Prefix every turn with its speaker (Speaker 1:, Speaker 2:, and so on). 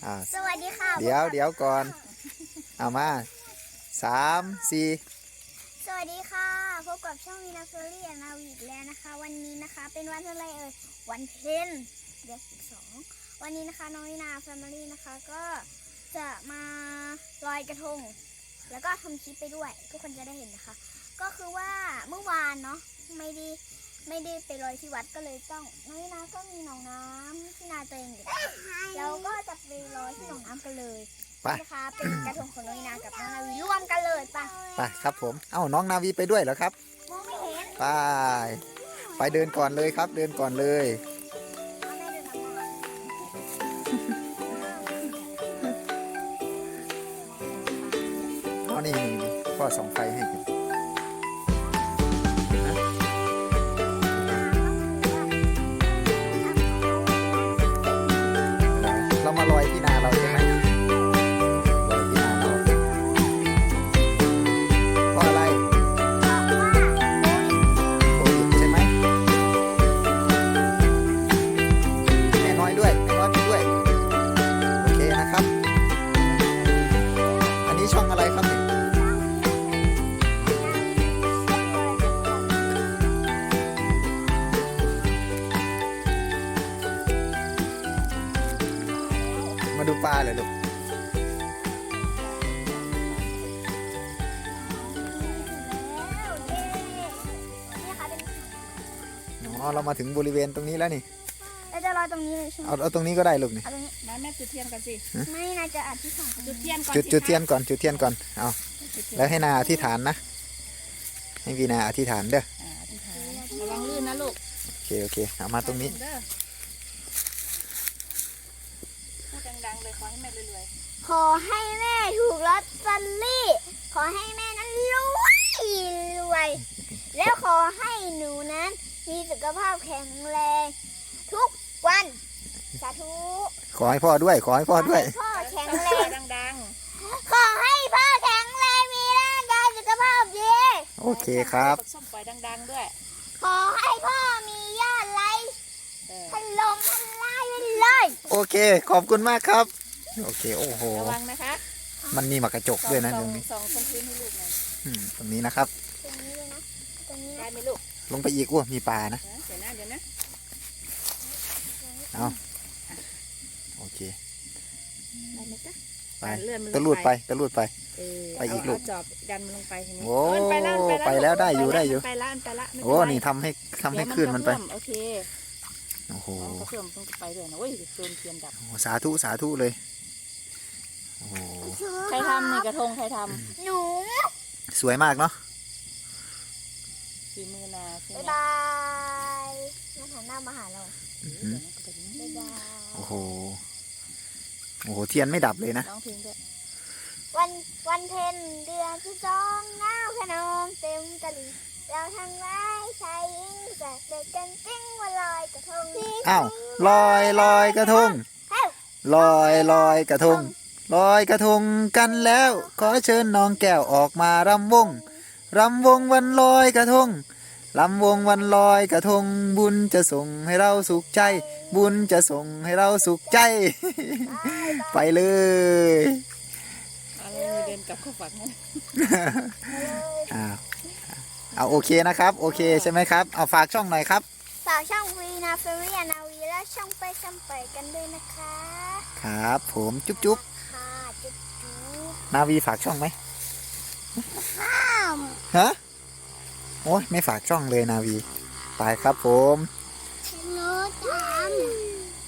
Speaker 1: สวัสดีค่ะ
Speaker 2: เดี๋ยวก่อนเอามา3 4
Speaker 1: สวัสดีค่ะพบกับช่องวีนาเฟอรี่นาวีอีกแล้วนะคะวันนี้นะคะเป็นวันอะไรวันเพ็ญเดือน12วันนี้นะคะน้องวีนาแฟมิลี่นะคะก็จะมาลอยกระทงแล้วก็ทำคลิปไปด้วยทุกคนจะได้เห็นนะคะก็คือว่าเมื่อวานเนาะไม่ได้ไปลอยที่วัดก็เลยต้องน้องวีนาก็มีหนองน้ำที่นาตัวเองอยู่แล้วก็จะไปลอยที่หนองน้ำกันเลยนะคะเป็นกระทงของน้องวีนากับน้องนาวีร่วมกันเลยไป
Speaker 2: ครับผมเอ้าน้องนาวีไปด้วยเหรอครับ
Speaker 1: มองไม่เห็น
Speaker 2: ไปเดินก่อนเลยครับเดินก่อนเลยอ๋อนี่พ่อส่องไฟให้กันเรามาลอยที่นาเราใช่ไหมลอยที่นาเราเพราะอะไรโควิดใช่ไหมแม่น้อยด้วยแม่น้อยไปด้วยโอเคนะครับอันนี้ช่องอะไรครับเนี่ยมาดูปลาเลยลูกอ๋อเรามาถึงบริเวณตรงนี้แล้วนี่
Speaker 1: เราจะรอตรงนี้เลยใช่ไหม
Speaker 2: เอาตรงนี้ก็ได้ลูกนี่
Speaker 1: เอาตรงนี้
Speaker 3: แม่จุดเทียนก่อนสิ
Speaker 1: ไม่น่าจะอธิษฐาน
Speaker 3: จุดเทียนก่อน
Speaker 2: จุดเทียนก่อนจุดเทียนก่อนเอาแล้วให้นาอธิษฐานนะให้วีนาอธิษฐานเด้อ
Speaker 3: อธิษฐานระวังลื่นนะลูก
Speaker 2: โอเคเอามาตรงนี้
Speaker 3: พูดดังๆเลยขอให้แม่รวย
Speaker 1: ขอให้แม่ถูกลอตเตอรี่ขอให้แม่นั้นรวยแล้วขอให้หนูนั้นมีสุขภาพแข็งแรงทุกวันสาธุ
Speaker 2: ขอให้พ่อด้วยขอให้พ่อด้วย
Speaker 1: พ่อแข็งแรง
Speaker 3: ดัง
Speaker 1: ขอให้พ่อแข็งแรงมีร่างกายสุขภาพดี
Speaker 2: โอเคครับ
Speaker 3: ส้มปล่อยดังๆด้วย
Speaker 1: ขอให้พ่อมียอดไลค์ถล่มทลายไปเลย
Speaker 2: โอเคขอบคุณมากครับโอเคโอ้โห
Speaker 3: ระวังนะคะ
Speaker 2: มันมีหมากกระจกด้วยนะตรงนี้
Speaker 3: ส่องพื้นให้ลูกหน่อย
Speaker 2: ตรงนี้นะครับ
Speaker 1: ตรงนี้เลยนะตรงนี้
Speaker 3: ได้ไหมลูก
Speaker 2: ลงไปอีกมีปลานะ
Speaker 3: เดี๋ยวนะ
Speaker 2: เอาโอเค
Speaker 3: ได้ไหมจ๊ะ
Speaker 2: ไปตะลุดไป
Speaker 3: ไปอีกลูกจอบดันมันลงไปทีนี้
Speaker 2: โอ้ไปแล้วได้อยู่
Speaker 3: ไปละ
Speaker 2: โอ้นี่ทำให้ขึ้นมันไป
Speaker 3: โอเค
Speaker 2: โอ้โห
Speaker 3: เพิ่มต้องไปด้วยนะโอ้ยโดนเทียนดับ
Speaker 2: สาธุเลยโอ้โห
Speaker 3: ใครทำในกระทงใครท
Speaker 1: ำหนู
Speaker 2: สวยมากเนาะ
Speaker 3: ฝีมือนาใช่ไหม
Speaker 1: บ๊ายบายมาหันหน้ามาหาเราบ๊ายบาย
Speaker 2: โอ้โหเทียนไม่ดับเลยนะ
Speaker 3: ร้องเพลงด้วย
Speaker 1: วันเพ็ญเดือนที่2น้ำขนองเต็มตลิ่งเราทั้งหลายชายหญิงจะเด็กกันจริงว่าลอยกระทง
Speaker 2: อ้าวลอยกระทงลอยกระทงลอยกระทงกันแล้วขอเชิญน้องแก้วออกมารำวงวันลอยกระทงลำวงวันลอยกระทงบุญจะส่งให้เราสุขใจบุญจะส่งให้เราสุขใจไปเลย
Speaker 3: เดินกลับเข้าฝัน
Speaker 2: เอาโอเคนะครับโอเคใช่ไหมครับเอาฝากช่องหน่อยครับ
Speaker 1: ฝากช่องวีนาเฟอรี่นาวีและช่องไปกันด้วยนะคะ
Speaker 2: ครับผมจุ๊บ
Speaker 1: ค่ะจุ๊บ
Speaker 2: นาวีฝากช่องไหมฮะโอ้ยไม่ฝากช่องเลยนาวีไปครับผม
Speaker 1: หนูทำ